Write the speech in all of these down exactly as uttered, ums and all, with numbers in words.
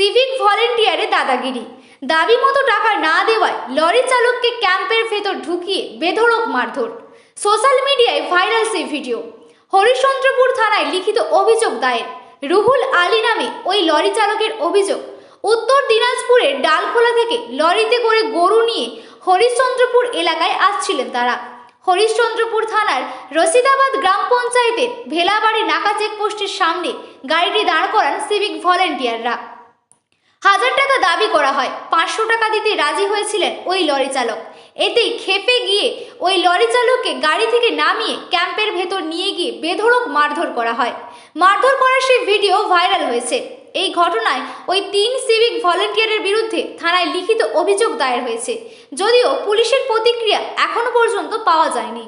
Civic ভলেন্টিয়ারে দাদাগিরি, দাবি মতো টাকা না দেওয়ায় লরি চালককে ক্যাম্পের ভেতর ঢুকিয়ে বেধড়ক মারধর। সোশ্যাল মিডিয়ায় ভাইরাল সেই ভিডিও। হরিশ্চন্দ্রপুর থানায় লিখিত অভিযোগ দায়ের। রুহুল আলী নামে ওই লরি চালকের অভিযোগ, উত্তর দিনাজপুরের ডালখোলা থেকে লরিতে করে গরু নিয়ে হরিশ্চন্দ্রপুর এলাকায় আসছিলেন তারা। হরিশ্চন্দ্রপুর থানার রশিদাবাদ গ্রাম পঞ্চায়েতের ভেলাবাড়ি নাকা চেকপোস্টের সামনে গাড়িটি দাঁড় করান সিভিক ভলেন্টিয়াররা। হাজার টাকা দাবি করা হয়, পাঁচশো টাকা দিতে রাজি হয়েছিলেন ওই লরি চালক। এতেই ক্ষেপে গিয়ে ওই লরি চালককে গাড়ি থেকে নামিয়ে ক্যাম্পের ভেতর নিয়ে গিয়ে বেধড়ক মারধর করা হয়। মারধর করার সেই ভিডিও ভাইরাল হয়েছে। এই ঘটনায় ওই তিন সিভিক ভলেন্টিয়ারের বিরুদ্ধে থানায় লিখিত অভিযোগ দায়ের হয়েছে, যদিও পুলিশের প্রতিক্রিয়া এখনো পর্যন্ত পাওয়া যায়নি।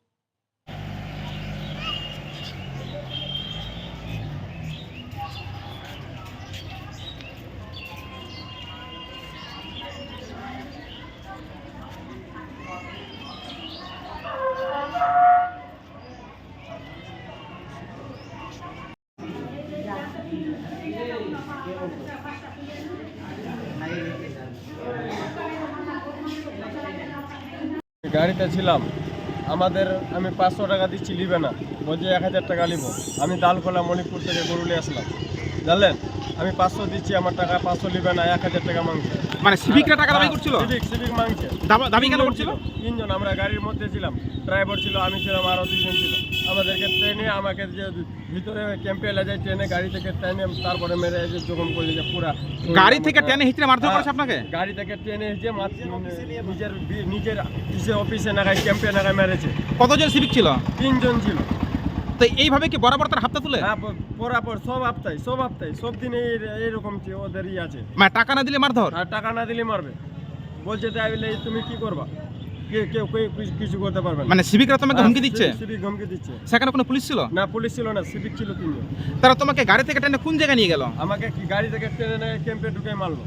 গাড়িতে ছিলাম, আমাদের আমি পাঁচশো টাকা দিচ্ছি, নিবে না, বলছে এক হাজার টাকা নিব। আমি দালখোলা মণিপুর থেকে গরু নিয়ে আসলাম, জানলেন, আমি পাঁচশো দিচ্ছি, আমার টাকা পাঁচশো নিবে না, এক হাজার টাকা মাংস। মানে সিভিকরা টাকা দাবি করছিল? সিভিক সিভিক মাংসে দাবি কেন করছিল? তিনজন, আমরা গাড়ির মধ্যে ছিলাম, ড্রাইভার ছিল, আমি ছিলাম, আরও দুজন ছিল। আমাদেরকে ট্রেনে আমাকে যে ভিতরে ক্যাম্পে এলে যায়, ট্রেনে গাড়ি থেকে ট্রেনে তারপরে মেরে যে জখম করে যে পুরা গাড়ি থেকে ট্রেনে হিচড়ে মারধর করেছে আপনাকে? গাড়ি থেকে ট্রেনে যে নিজের নিজের নিজের অফিসে নাগায় ক্যাম্পে নাগায় মেরেছে। কতজন সিভিক ছিল? তিনজন ছিল। তো এইভাবে কি বরাবর তার হাতটা তুলে? হ্যাঁ, বরাবর সব হপ্তায় সব হপ্তায় সব দিনে এইরকম ওদের ই আছে। মানে টাকা না দিলে মারধর? আর টাকা না দিলে মারবে, বলছে তাই বলে তুমি কি করবা, কেউ কেউ কিছু করতে পারবে না। মানে সিভিকরা তোমাকে হুমকি দিচ্ছে? সিভিক হুমকি দিচ্ছে। সেখানে কোনো পুলিশ ছিল না? পুলিশ ছিল না, সিভিক ছিল তিনজন। তারা তোমাকে গাড়ি থেকে টেনে কোন জায়গায় নিয়ে গেল? আমাকে কি গাড়ি থেকে টেনে ক্যাম্পে ঢুকে মারলো।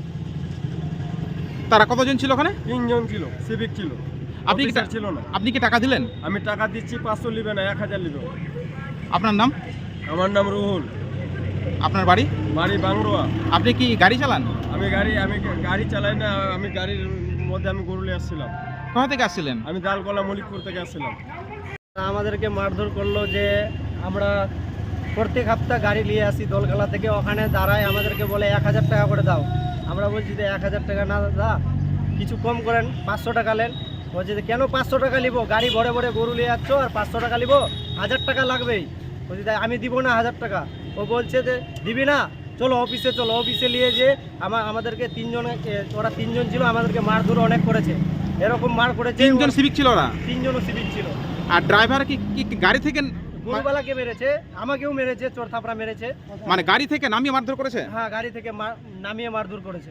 তারা কতজন ছিল ওখানে? তিনজন ছিল, সিভিক ছিল। আপনি কি ছিল না? আপনি কি টাকা দিলেন? আমি টাকা দিচ্ছি, পাঁচশো নিবে না, এক হাজার নিবে। আপনার নাম? আমার নাম রুহুল। আপনার বাড়ি? বাড়ি বাংরোয়া। আপনি কি গাড়ি চালান? আমি গাড়ি আমি গাড়ি চালাই না, আমি গাড়ির মধ্যে আমি গরু নিয়ে আসছিলাম। কোথা থেকে আসছিলেন? আমি দালকোলা মলিকপুর থেকে আসছিলাম। আমাদেরকে মারধর করলো যে আমরা প্রত্যেক সপ্তাহ গাড়ি নিয়ে আসি দোলখালা থেকে, ওখানে দাঁড়ায় আমাদেরকে বলে এক হাজার টাকা করে দাও। আমরা বলছি যে এক হাজার টাকা না দা, কিছু কম করেন, পাঁচশো টাকা নেন। বলছি যে কেন পাঁচশো টাকা নিবো, গাড়ি ভরে ভরে গরু নিয়ে যাচ্ছ আর পাঁচশো টাকা নিবো, হাজার টাকা লাগবেই। বলছি তাই আমি দিব না হাজার টাকা। ও বলছে যে দিবি না, চলো অফিসে চলো। অফিসে নিয়ে যে আমার আমাদেরকে তিনজন, ওরা তিনজন ছিল, আমাদেরকে মারধর অনেক করেছে, এরকম মার করেছে। তিনজন সিভিক ছিল ওরা? তিনজনও সিভিক ছিল। আর ড্রাইভার কি কি গাড়ি থেকে? গরুবালাকে মেরেছে, আমাকেও মেরেছে, চোর থাপড়া মেরেছে। মানে গাড়ি থেকে নামিয়ে মারধর করেছে? হ্যাঁ, গাড়ি থেকে নামিয়ে মারধর করেছে।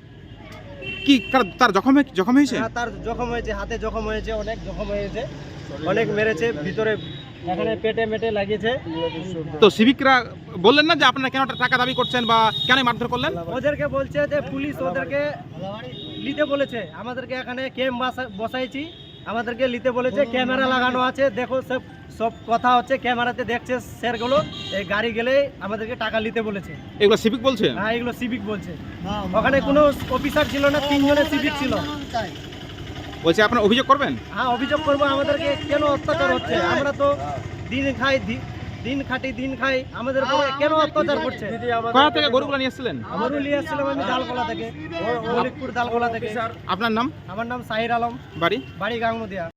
কি তার জখম জখম হয়েছে? হ্যাঁ, তার জখম হয়েছে, হাতে জখম হয়েছে, অনেক জখম হয়েছে, অনেক মেরেছে, ভিতরে এখানে পেটে মেটে লাগিয়েছে। তো সিভিকরা বললেন না যে আপনারা কেন টাকা দাবি করছেন বা কেন মারধর করলেন? ওদেরকে বলছে যে পুলিশ ওদেরকে নিতে বলেছে, আমাদেরকে এখানে ক্যাম্প বসাইছি, আমাদেরকে নিতে বলেছে, ক্যামেরা লাগানো আছে, দেখো সব সব কথা হচ্ছে, ক্যামেরাতে দেখছে স্যারগুলো। এই গাড়ি গেলে আমাদেরকে টাকা নিতে বলেছে। এগুলো সিভিক বলছে? হ্যাঁ, এগুলো সিভিক বলছে। ওখানে কোনো অফিসার ছিল না, তিনজনের সিভিক ছিল। বলছে আপনারা অভিযোগ করবেন? হ্যাঁ, অভিযোগ করবো। আমাদেরকে কেন অত্যাচার হচ্ছে? আমরা তো দিন খাই, দিন খাটি, দিন খাই, আমাদের উপরে কেন অত্যাচার করছে? কোথা থেকে গরুগুলো নিয়ে এসেছিলেন? গরু নিয়ে এসেছিলাম আমি দালকোলা থেকে, মলিকপুর দালকোলা থেকে। আপনার নাম? আমার নাম সাহির আলম। বাড়ি? বাড়ি গাঙ্গুদিয়া।